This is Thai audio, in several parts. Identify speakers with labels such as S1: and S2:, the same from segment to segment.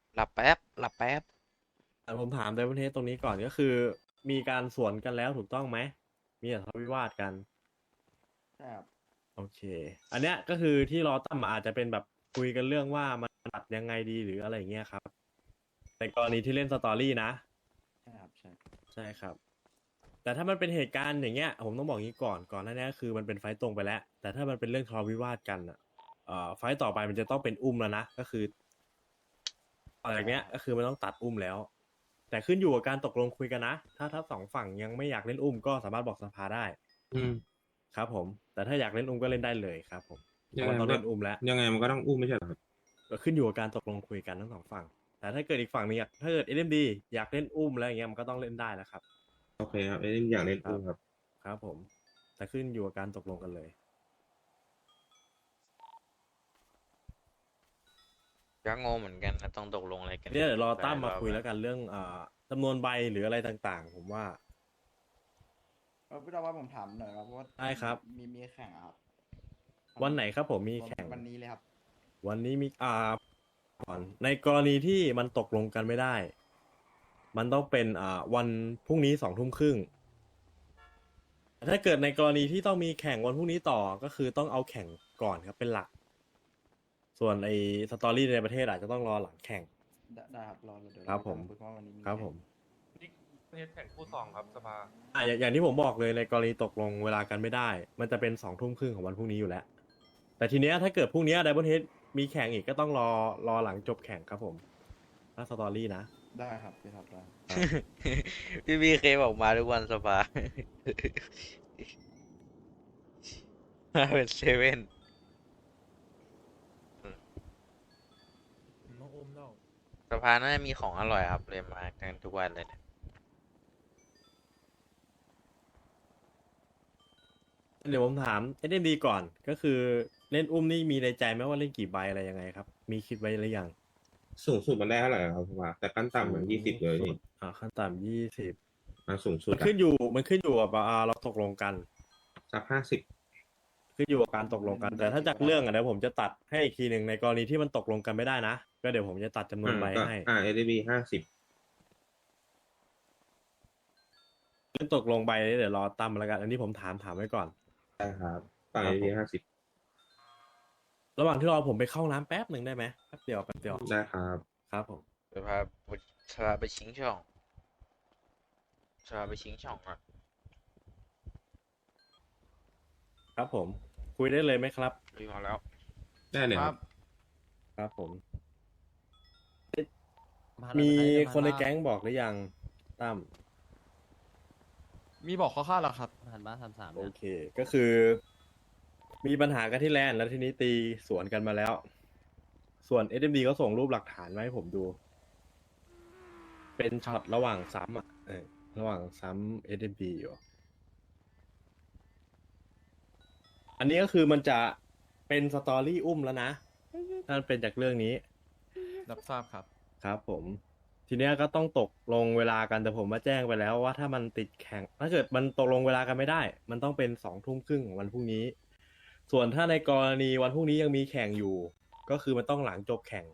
S1: หลับแป๊บ
S2: ผมถามในประเทศตรงนี้ก่อนก็คือมีการสวนกันแล้วถูกต้องไหมมีแต่ทะเลาะวิวาทกัน
S3: ใช่ครับ
S2: โอเคอันเนี้ยก็คือที่รอตั้มอาจจะเป็นแบบคุยกันเรื่องว่ามันตัดยังไงดีหรืออะไรอย่างเงี้ยครับในกรณีที่เล่นสตอรี่นะ
S3: ใช่ครับใช่
S2: ใช่ครับแต่ถ้ามันเป็นเหตุการณ์อย่างเงี้ยผมต้องบอกงี้ก่อนหน้านี้คือมันเป็นไฟต์ตรงไปแล้วแต่ถ้ามันเป็นเรื่องทะเลาะวิวาทกันอ่ะไฟต์ต่อไปมันจะต้องเป็นอุ้มแล้วนะก็คืออะไรอย่างเงี้ยก็คือมันต้องตัดอุ้มแล้วแต่ขึ้นอยู่กับการตกลงคุยกันนะถ้าสองฝั่งยังไม่อยากเล่นอุ้มก็สามารถบอกสภาได้
S4: อืม
S2: ครับผมแต่ถ้าอยากเล่นอุ้มก็เล่นได้เลยครับผมเพ
S4: ยัง
S2: ราะมันต้อง
S4: ไงมันก็
S2: เล่นอุ้มแล้ว
S4: มันก็ต้องอุ้มไม่ใช่เหรอครับ
S2: ก็ขึ้นอยู่กับการตกลงคุยกันทั้งสองฝั่งแต่ถ้าเกิดอีกฝั่งนึงถ้าเกิดเอ็มดีอยากเล่นอุ้มแล้วอย่างเงี้ยมันก็ต้องเล่นได้แล้วครับ
S4: โอเคครับไอ้นี่อยากเล่น
S2: ครับ
S4: อุ้มครับ
S2: ครับผมแต่ขึ้นอยู่กับการตกลงกันเลย
S1: ก็งงเหมือนกันนะต้องตกลงอะไรกัน
S2: เนี่ยเดี๋ยวรอ
S1: หลา
S2: ตั้มมา
S1: ยรอบแล้ว
S2: คุยแล้วกันเรื่องจำนวนใบหรืออะไรต่างๆผมว่า
S3: พี่ดาวว่าผมถามหน่อยครับเพราะว่า
S2: ได้ครับ
S3: มีแข่งอะครับ
S2: วันไหนครับผมมีแข่ง
S3: วันนี้เลยครับ
S2: วันนี้มีก่อนในกรณีที่มันตกลงกันไม่ได้มันต้องเป็นวันพรุ่งนี้20:30 ถ้าเกิดในกรณีที่ต้องมีแข่งวันพรุ่งนี้ต่อก็คือต้องเอาแข่งก่อนครับเป็นหลักส่วนไอ้สตอรี่ในประเทศอาจจะต้องรอหลังแข่ง
S3: ได้ครับรอเดี๋ยว
S2: ครับผม
S3: เราคุยเพราะว่าวันนี้มี
S2: ครับ
S3: แข่ง
S2: ผม
S5: นี่นี่แข่งคู่สองครับสภา
S2: อย่างที่ผมบอกเลยในกรณีตกลงเวลากันไม่ได้ มันจะเป็น20:30ของวันพรุ่งนี้อยู่แล้วแต่ทีเนี้ยถ้าเกิดพรุ่งนี้ไดมอนเฮดมีแข่งอีกก็ต้องรอหลังจบแข่งครับผมถ้าสตอรี่นะ
S3: ได้ครับพี่ทับได้
S2: ครับ
S1: พี่บีเคบอกมาทุกวันสภามาเป็นเซเว่นสภาน่าจะมีของอร่อยครับเลยมากันทุกวันเลยเนี่ย
S2: เดี๋ยวผมถามเอ็มดีก่อนก็คือเล่นอุ้มนี่มีในใจไหมว่าเล่นกี่ใบอะไรยังไงครับมีคิดไว้หรือยัง
S4: สูงสุดมันได้เท่าไหร่ครับผมว่าแต่ขั้นต่ำมัน20เลยนี่
S2: ขั้นต่ำ20
S4: สูงสุดอะ
S2: มันขึ้นอยู่กับเราตกลงกัน
S4: สัก50
S2: ขึ้นอยู่กับการตกลงกันแต่ถ้าจากเรื่องเดี๋ยวผมจะตัดให้อีกทีหนึ่งในกรณีที่มันตกลงกันไม่ได้นะก็เดี๋ยวผมจะตัดจำนวนใบ
S4: ก็
S2: ให้
S4: เอ d ี50
S2: เรื่องตกลงใบเดี๋ยวรอตั้มแล้วกันอันนี้ผมถามไว้ก่อน
S4: ได้ครับฝั่ง
S2: ครั
S4: a
S2: บผ
S4: d
S2: ม
S4: 50
S2: ระหว่างที่รอผมไปเข้าน้ำแป๊บหนึ่งได้ไหมแป๊บเดียว
S4: ได้ครับ
S2: ครับผม
S1: สภาสภาไปชิงช่องสภาไปชิงช่องอ่ะ
S2: ครับผมคุยได้เลยไหมครับ
S1: รีมาแล้ว
S4: ได้เลยครับ
S2: ครับผมมีคนในแก๊งบอกหรือยังตั้ม
S6: มีบอกข้าวๆแล้วครับ
S2: โอเคก็คือมีปัญหากันที่แลนด์แล้วทีนี้ตีสวนกันมาแล้ว ส่วน SMD ก็ส่งรูปหลักฐานมาให้ผมดู เป็นช็อตระหว่างซ้ำระหว่างซ้ำ SMD อยู่ อันนี้ก็คือมันจะเป็นสตอรี่อุ้มแล้วนะถ้ามันเป็นจากเรื่องนี้
S6: รับทราบครับ
S2: ครับผม ทีเนี้ยก็ต้องตกลงเวลากันแต่ผมมาแจ้งไปแล้วว่าถ้ามันติดแข่งถ้าเกิดมันตกลงเวลากันไม่ได้ มันต้องเป็น20:30ของวันพรุ่งนี้ ส่วนถ้าในกรณีวันพรุ่งนี้ยังมีแข่งอยู่ ก็คือมันต้องหลังจบแข่ง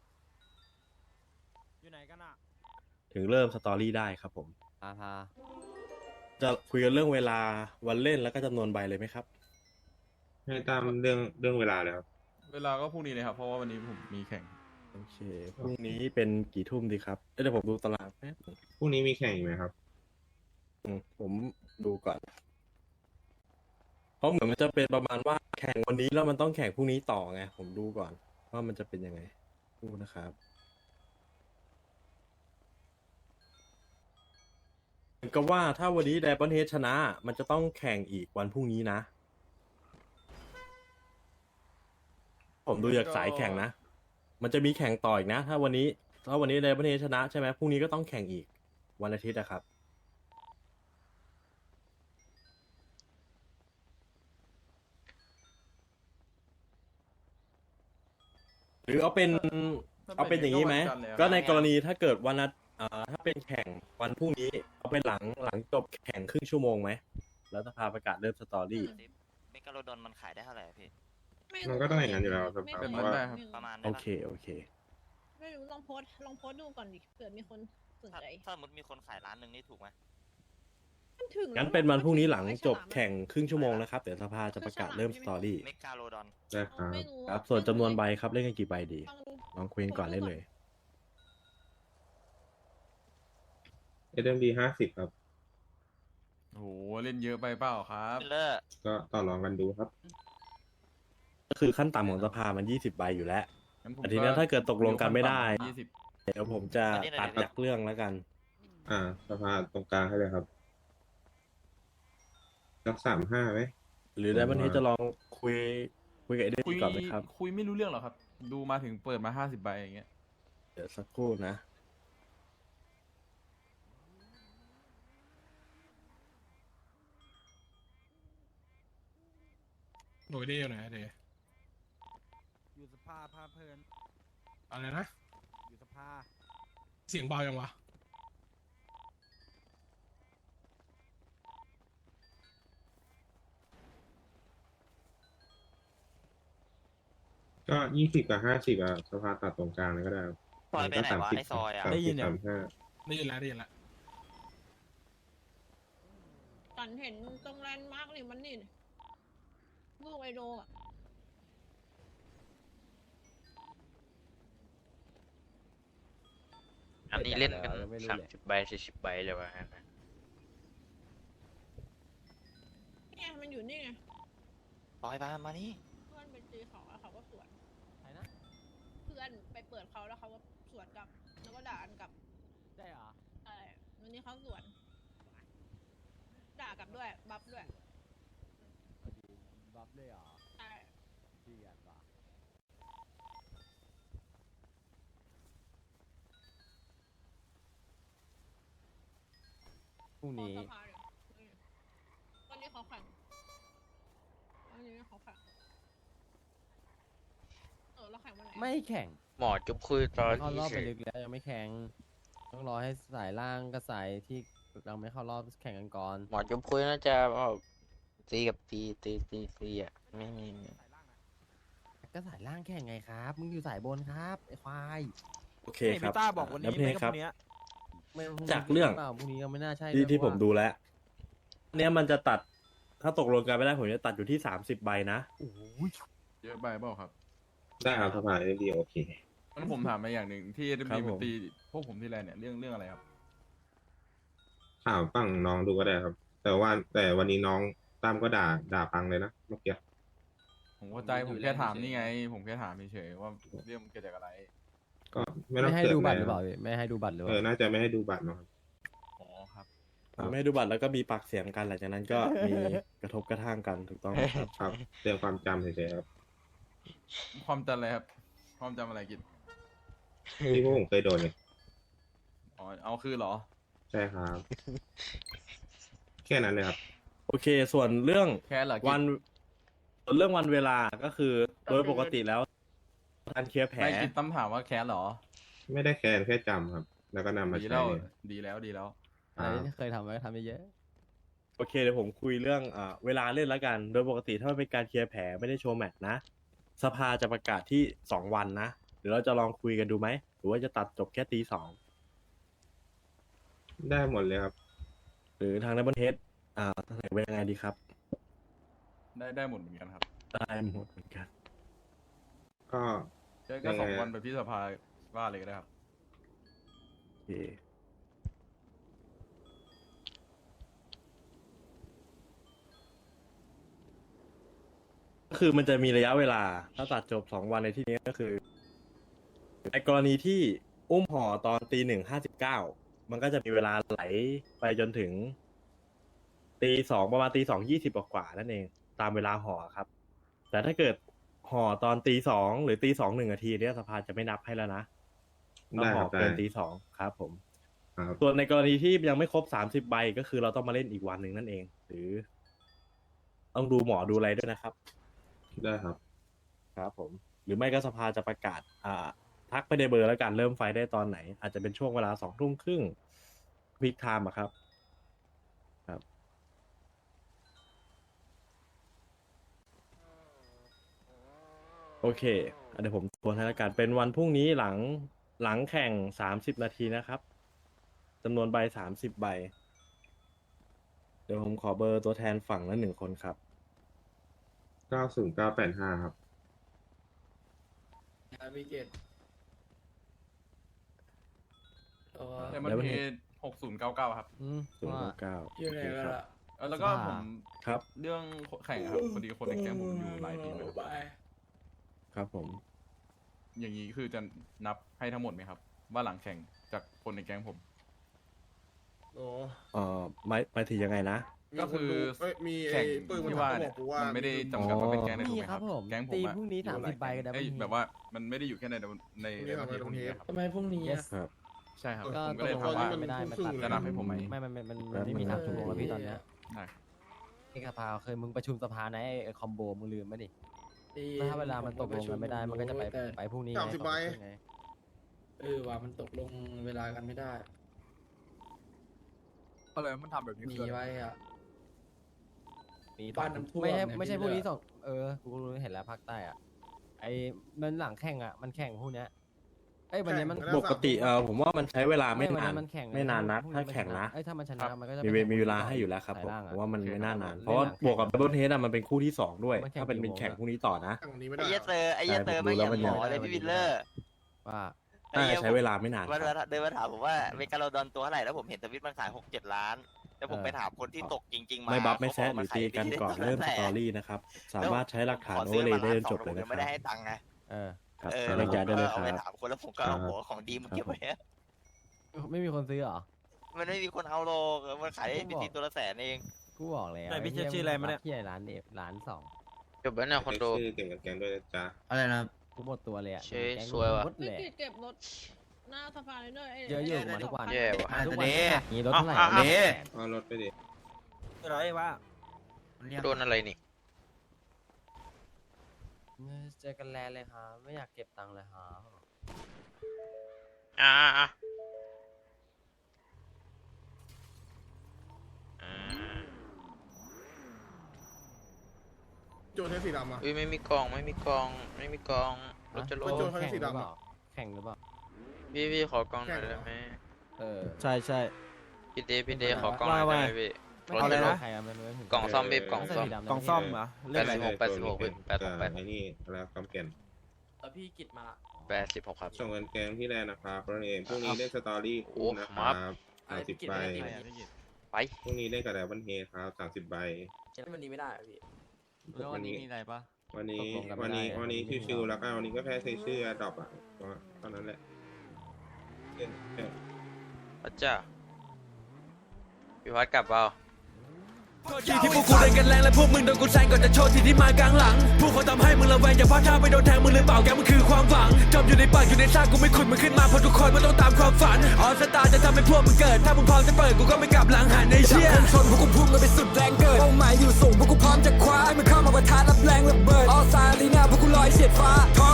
S6: อยู่ไหนกันอ่ะ
S2: ถึงเริ่มสตอรี่ได้ครับผมจะคุยกันเรื่องเวลาวันเล่นแล้วก็จำนวนใบเลยไหมครับ
S4: ให้ตามเรื่องเวลาเลยครับ
S6: เวลาก็พรุ่งนี้เลยครับ เพราะว่าวันนี้ผมมีแข่ง
S2: โอเคพรุ่งนี้เป็นกี่ทุ่มดีครับเดี๋ยวผมดูตารางแป๊บนึง
S4: พรุ่งนี้มีแข่งอีกไหมครับ
S2: ผมดูก่อน เพราะเหมือนมันจะเป็นประมาณว่าแข่งวันนี้แล้วมันต้องแข่งพรุ่งนี้ต่อไงผมดูก่อนว่ามันจะเป็นยังไงดูนะครับเหมือนกับว่าถ้าวันนี้ไดมอนเฮดชนะ มันจะต้องแข่งอีกวันพรุ่งนี้นะ ผมดูจากสายแข่งนะ มันจะมีแข่งต่ออีกนะ ถ้าวันนี้ไดมอนเฮดชนะใช่ไหมพรุ่งนี้ก็ต้องแข่งอีกวันอาทิตย์นะครับหรือเอาเป็นอย่างนี้ไหมก็ในกรณีถ้าเกิดวันนัดถ้าเป็นแข่งวันพรุ่งนี้เอาเป็นหลังจบแข่งครึ่งชั่วโมงไหมแล้วสภาประกาศเริ่มสตอรี่
S7: เมกาโลดอนมันขายได้เท่าไหร่อะพี่
S4: มันก็ต้องอย่างนั้นอยู่แล้วครับ
S6: เป็น
S4: เพ
S6: มัน
S4: ราะว่า
S6: ได้ครับ
S7: ประมาณได้
S2: โอ
S7: ปะ
S2: เค
S7: ไม่รู้ลองโพสต์ดูก่อนดิเผื่อมีคนสน
S8: ถ้า
S7: ใจ
S8: ถ้าสมมติมีคนขายร้านหนึ่งนี่ถูกไหม
S7: มันถึงแล้ว
S2: งั้นเป็นวันพรุ่งนี้หลัง
S7: ไอ้
S2: จบ
S7: ฉลามอะ
S2: แข่งครึ่งชั่วโมงนะครับ เดี๋ยวสภาจะประกาศเริ่มสตอรี่
S8: เมกาโลดอน
S4: ได้ครับ
S7: ไม่รู้
S2: ครับ ส่วนจำนวนใบครับเล่นกันกี่ใบดี
S7: ต้อง
S2: ลองคุยกันก่อนเล่นเลย
S4: SMD 50 ครับ
S6: โหเล่นเยอะไปเปล่าครับ
S8: ฟิลเลอร์
S4: ก็ต่อรองกันดูครับ
S2: ก็คือขั้นต่ำของสภามัน20 ใบอยู่แล้ว
S6: งั้นผม
S2: แต่ทีเนี้ยถ้าเกิดตกลงกันไม่ได้
S6: 20
S2: เดี๋ยวผมจะตัดจากเรื่องแล้วกัน
S4: สภาตรงกลางให้เลยครับสัก35ไหม
S2: หรือได้วันนี้จะลองคุยกับไอเดน
S6: คุย
S2: ก่อนไหมครับ
S6: คุยไม่รู้เรื่องหรอครับ ดูมาถึงเปิดมา50 ใบอย่างเงี้ย
S2: เดี๋ยวสักครู่นะ
S9: หน่วยดีอยู่ไหนเด
S3: อยู่สภาพาเพลิน
S9: อะไรนะ
S3: อยู่สภา
S9: เสียงเบายังวะ
S4: ก็20 กับ 50สภาตัดตรงกลางเลยก็ได้ครับ
S8: ซอยไปไหนวะไอซอยอ่ะ
S3: ได้ยินยัง
S4: 35
S9: ได้ยินแล้วได้ยินแล้ว
S7: ฉันเห็นตรงแลนด์มาร์กนี่มันนี่ลูกไอโดอะ
S1: อันนี้เล่นกัน30 ใบ40 ใบเลยวะฮะ
S7: เนี่ยมันอยู่นี่ไง
S8: ซอยมานี่
S7: เพื่อนไปตีเขาแล้วเขาก็สวน
S3: ใครนะ
S7: เพื่อนไปเปิดเขาแล้วเขาก็สวนกลับแล้วก็ด่ากันกลับ
S3: ได้เหรอ
S7: วันนี้เขาสวน ด่ากลับด้วยบัฟด้วย
S3: บัฟเลยเหรอ
S7: ใช่
S3: เดือดว่ะ พรุ่งนี้
S7: ขอสภาเลยวันนี้เขาแข่งวันนี้เขาแข่งแล้วแข่งวันไหน
S3: ไม่แข่ง
S1: หมอจุ๊บคุยตอน
S3: เข้าร
S1: ที่
S3: อบ
S1: เฉ
S3: ไป
S1: ย
S3: ลึกแล้วยังไม่แข่ง ต้องรอให้สายล่างกับสายที่เราไม่เข้ารอบแข่งกันก่อน
S1: หมอจุ๊บคุยน่าจะตีกับตีอ่ะไม่มี
S3: ก็สายล่างแข่งไงครับ มึงอยู่สายบนครับไอ้ควาย
S2: โอเคครับ
S3: พี่ต้าบอกวันนี้
S2: แล้วเพครับ
S3: ไม่พรุ่
S2: จากเรื่อง
S3: ปล่าพรุ่งนี้ก็ไม่น่าใช่
S2: ที่
S3: ด้วย
S2: ที่
S3: เพ
S2: ผ
S3: ราะ
S2: ม
S3: ว่า
S2: ดูแล้ว เนี้ยมันจะตัด ถ้าตกลงกันไม่ได้ผมจะตัดอยู่ที่30 ใบนะ
S6: เยอะไปเปล่าครับ
S4: ได้ครับสภา SMD โอเค
S6: งั้นผมถามมาอย่างหนึ่งที่
S2: ครั
S6: SMD
S2: บผม
S6: มันตีพวกผมที่ไรเนี่ยเรื่องอะไรครับ
S4: ถามฝั่งน้องดูก็ได้ครับ แต่วันนี้น้องตั้มก็ด่าพังเลยนะเมื่อกี้
S6: ผมเข้าใจผมแค่ถามนี่ไง ผมแค่ถามเฉยๆว่าเรื่องมันเกิดจากอะไร
S4: ก็ไม่ต้อง
S3: ไม่ให้
S4: เกิด
S3: ดู
S4: อะไร
S3: บัตรหรือเปล่า
S4: ครับ
S3: พี่ไม่ให้ดูบัตรหรือเป
S4: เออ
S3: ล่า
S4: น่าจะไม่ให้ดูบัตรเนอะครับ
S6: อ๋อครับ
S2: ไม่ให้ดูบัตรแล้วก็มีปากเสียงกันหลังจากนั้นก็มีกระทบกระทั่งกันถูกต้องไหมครับ
S4: ครับเรื่องความจำเฉยๆครับ
S6: ความจำอะไรครับ ความจำอะไรกิจ
S4: ที่พวกผมเคยโดนเนี่ย
S6: อ๋อ เอาคือเหรอ
S4: ใช่ครับ แค่นั้นเลยครับ
S2: โอเค ส่วนเรื่อง
S6: แค่เหรอกิจ
S2: ส่วนเรื่องวันเวลาก็คือโดยปกติแล้วการเคลียร์แผล
S6: ไม่กิจตั้มถามว่าแคสเหรอ
S4: ไม่ได้แค่แค่จำครับ แล้วก็นำมา
S6: ดี
S4: ใช้
S6: แล้ว
S4: เลย
S6: ดีแล้วดีแล้ว
S3: อะไรที่เคยทำไว้ก็ทำไปเยอะ
S2: โอเคเดี๋ยวผมคุยเรื่องเวลาเล่นแล้วกัน โดยปกติถ้ามันเป็นการเคลียร์แผลไม่ได้โชว์แมตช์นะ สภาจะประกาศที่2 วันนะเดี๋ยวเราจะลองคุยกันดูไหมหรือว่าจะตัดจบแค่ตี 2
S4: ได้หมดเลยครับ
S2: หรือทางดับเบิลเฮดเสนอเป็นยังไงดีครับ
S6: ได้หมดเหมือนกันครับ
S2: ได้หมดเหมือนกัน
S4: ก็
S6: ก็
S4: ยังไง
S6: 2 วันไปพี่สภาว่าเลยก็ได้ครับ
S2: โอเคก็คือมันจะมีระยะเวลาถ้าตัดจบ2 วันในที่นี้ก็คือในกรณีที่อุ้มห่อตอนตี 1:59มันก็จะมีเวลาไหลไปจนถึงตี 2ประมาณตี 2:20กว่าๆนั่นเองตามเวลาห่อครับ แต่ถ้าเกิดห่อตอนตี 2หรือตี 2 1 นาทีเนี่ยสภาจะไม่นับให้แล้วนะต้อง
S4: ได้
S2: ห่
S4: ค
S2: อ
S4: รับได้
S2: เกินตี 2ครับผม
S4: ครับ
S2: ส่วนในกรณีที่ยังไม่ครบ30 ใบก็คือเราต้องมาเล่นอีกวันหนึ่งนั่นเอง หรือ ต้องดูหมอดูอะไรด้วยนะครับ
S4: ได้ครับ
S2: ครับผม หรือไม่ก็สภาจะประกาศทักไปในเบอร์แล้วกันเริ่มไฟได้ตอนไหน อาจจะเป็นช่วงเวลา20:30พีคไทม์อะครับ ครับ โอเคเดี๋ยวผมทวนให้แล้วกันเป็นวันพรุ่งนี้หหลังแข่ง30 นาทีนะครับจำนวนใบ30 ใบ เดี๋ยวผมขอเบอร์ตัวแทนฝั่งละ1 คนครับ
S4: 90985 ครับ
S10: พี่เกต
S6: แต่มันเพจ6099ครับ
S3: ว่า
S2: 099
S10: อยู่ไหน
S2: โอเค
S10: กัน
S2: ครับ
S10: ล่ะ
S6: แล้วก็ผม
S2: ครับ
S6: เรื่องแข่งครับพอดีคนในแก๊งผมอยู่หลายทีมเลย
S10: ไป
S2: ครับผม
S6: อย่างนี้คือจะนับให้ทั้งหมดไหมครับ ว่าหลังแข่งจากคนในแก๊งผม
S10: โอ้
S2: หมายถึงยังไงนะ
S6: ก็คือ
S10: มี
S6: แข่ง
S10: ปื้ม
S6: ที่
S10: มัน
S6: ว่า
S10: บ
S6: เนี่
S10: อย กกูว่า
S6: มันไม่ได้จำกัดว่าเป็นแก๊งในถู
S3: มี
S6: กไหม
S3: ค
S6: ค
S3: รั
S6: รั
S3: บบ ผม
S6: แก๊งผม
S3: ตี
S6: อะ
S3: พรุ่งนี้30 ใบกันได้
S6: เอ้ยแบบว่ามันไม่ได้อยู่แค่ในในประเทศพวกนี้ครับ
S10: ทำไมพรุ่งนี้
S3: yes
S2: ครับ
S6: ใช่ครับ
S3: ก็
S6: ผม
S3: ต
S6: ก็
S3: ก
S6: เลย
S3: ลง
S6: ถามว่า
S3: กันไม่ได้มันตัด
S6: จะนับให้ผมไหม
S3: ไม่มันไม่มี3 ชั่วโมงแล้วพี่ตอนเนี้ย
S6: ได้
S3: นี่สภาเคยมึงประชุมสภานะไอ้คอมโบมึงลืมไหมดิถ้าเวลามันตกลงกันไม่ได้มันก็จะไปพรุ่งนี้ไง
S10: 30 ใบ
S3: ไง
S10: ว่ามันตกลงเวลากันไม่ได้
S6: ก็เลยมันทำแบบนี้
S10: มีไว้อ่ะ
S3: มี
S10: บ้านน้ำท่วม
S3: ไม่ใช่
S10: เนี่ย
S3: ไม่ใช่
S10: พี่
S3: พรุ่งนี้
S10: เลือก
S3: กูรู้เห็นแล้วภาคใต้อ่ะไอ้มันหลังแข่งอ่ะมันแข่งพรุ่งเนี้ยเอ้ยวันนี้มัน
S2: ปกติผมว่ามันใช้เวลาไม่
S3: วัน
S2: นาน
S3: นี้มันแข่ง
S2: ไม่นานนัก
S3: พรุ่ง
S2: ถ้า
S3: มั
S2: แข่งนะ
S3: เอ้ยถ้ามันชนะมันก็จะ
S2: มีเวลาให้อยู่แล้วครับ
S3: สาย
S2: ผม
S3: ล่างอะ
S2: ผมว่ามันไม่น่านาน
S3: เล่น
S2: เพราะว่า
S3: หลังแข่ง
S2: บวกกับดับเบิลเทสมันเป็นคู่ที่ 2 ด้วย
S3: มันแข่ง
S2: ถ้าเป็น
S3: กี่โมง
S2: แข่ง
S3: อะ
S2: พรุ่งนี้ต่อนะ
S10: ตั้งตรงนี้ไม่
S8: ไอ้
S10: ได้
S8: เหี้ยเตอร์ไอ้เหี้ยเตอร์ไม่อย่างหมอเลยพี่วิลเลอร์
S3: ว่า
S2: น่าจะใช้เวลาไม่นาน
S8: วัน
S2: ครับ
S8: เดินมาถามผมว่าเมกาโลดอนตัวเท่าไหร่แล้วผมเห็นทวิตมันขาย6-7 ล้าน แล้วผมไปถามคนที่ตกจริงๆมา
S2: ไม่บัฟไม่
S8: เขา
S2: แซะ
S8: บ
S2: ห
S8: ว่า
S2: รือตีกันก่อนเริ่มสตอรี่นะครับ สามารถใช้หลักฐาน
S8: ข
S2: โอ
S8: ซื้
S2: เวอร์เลย
S8: มา
S2: ได้จน
S8: 1-2
S2: จบเลย
S8: ผม
S2: นะ
S8: ยัง
S2: ค
S8: ไม่
S2: รับ
S8: ได้ให้ตังค์ไง
S2: ครับ
S8: เออ
S2: แยกย้ายได้เลยค
S8: เอา
S2: รั
S8: ไป
S2: บ
S8: ถามคนแล้วผมก็เอาหัวของดีมาเก็บไว้อะ
S3: ไม่มีคนซื้อเหรอ
S8: มันไม่มีคนเอาโลกมันขายได้เป็นตัวละแสนเอง
S3: กูบอกแล้ว
S10: ไหนพี่เช็คชื่ออะไรมาเนี่ย
S3: ที่ไหนร้านเดฟร้าน
S1: จบแล้วเนี่ยคอนโด
S4: ชื่อเก่งกับแกงด้วยนะจ๊ะ
S10: อะไรนะ
S3: 2กูหมดตัวเลยอ่ะ
S1: เชี่ย
S3: แก๊ง
S1: สวยว่ะ
S3: หมด
S7: พี่
S3: เลย
S7: กิจเก็บรถหน้าสภาเลยเนอะไ
S3: เยอะอยู่มาทุกวัน
S1: แย่ว่ะ
S3: มาทุกวันมีรถเท่าไหร่
S1: อ่ะ
S3: วะเนี่ย
S4: เอารถไปดิ
S10: อะไรวะ
S1: โดนอะไรนี่
S3: เจอกันแลนเลยครับไม่อยากเก็บตังค์เลยครับ
S1: อ่าอ่า
S10: โจทย์ใช้สีดำอ่ะ
S1: อุ้ยไม่มีกล่องไม่มีกล่องไม่มีกล่องรถจะล
S10: มัน
S1: ง
S10: โจร เขาจะ
S3: แข่ง
S10: สี
S3: หรือ
S10: ดำ
S3: เป
S10: อะ
S3: ล่าแข่งหรือเปล่า
S1: พี่ขอกล่องหน่อยได้ไหม
S3: ใช่ใช่
S1: พี่เดขอกล่องหน่อยได้ไหมพี่รถจะลง
S3: ใครมันไม่ถึง
S1: กล่องซ่อมพี่กล่องซ่อม
S3: กล่องซ่อมเหรอ
S1: 86พี่86
S4: ไอ้นี่แล้วคำแก่น
S10: แล้วพี่กิจมา
S1: 86ครับ
S4: ส่งเงินแกงที่แลนด์นะครับเพราะเองพรุ่งนี้เล่นสตอรี่
S1: โอ้
S4: คู่นะครับ30 ใบ
S1: ไป
S4: พรุ่งนี้เล่นกับแดวันเฮครับ30 ใบ
S10: วันนี้ไม่ได้พี่
S6: แล้ววันนี้มีอะไรปะ
S4: วันนี้ชิวๆแล้วก็วันนี้ก็แค่ใช้ชื่อดรอปอ่ะก็เท่านั้นแหละเล่นแค่
S1: อาจ้าพี่วัดกลับเปล่า
S11: ที่พวกกูเล่นกันแรงและพวกมึงโดนกูแซงก่อนจะโชว์ที่ที่มากลางหลังพวกเขาทำให้มึงระแวงอย่าพลาดท่าไปโดนแทงมึงหรือเปล่าแกมันคือความหวังจมอยู่ในปากอยู่ในซากกูไม่ขุดมึงขึ้นมาเพราะทุกคนมันต้องตามความฝันออสตาจะทำให้พวกมึงเกิดถ้ามึงพร้อมจะเปิดกูก็ไม่กลับหลังหันในเชี่ยชนพวกกูพุ่งกันไปสุดแรงเกิดเป้าหมายอยู่สูงพวกกูพร้อมจะคว้าให้มันเข้ามาประทะรับแรงระเบิดออสตาลีนาพวกกูลอยเฉียดฟ้าท้อง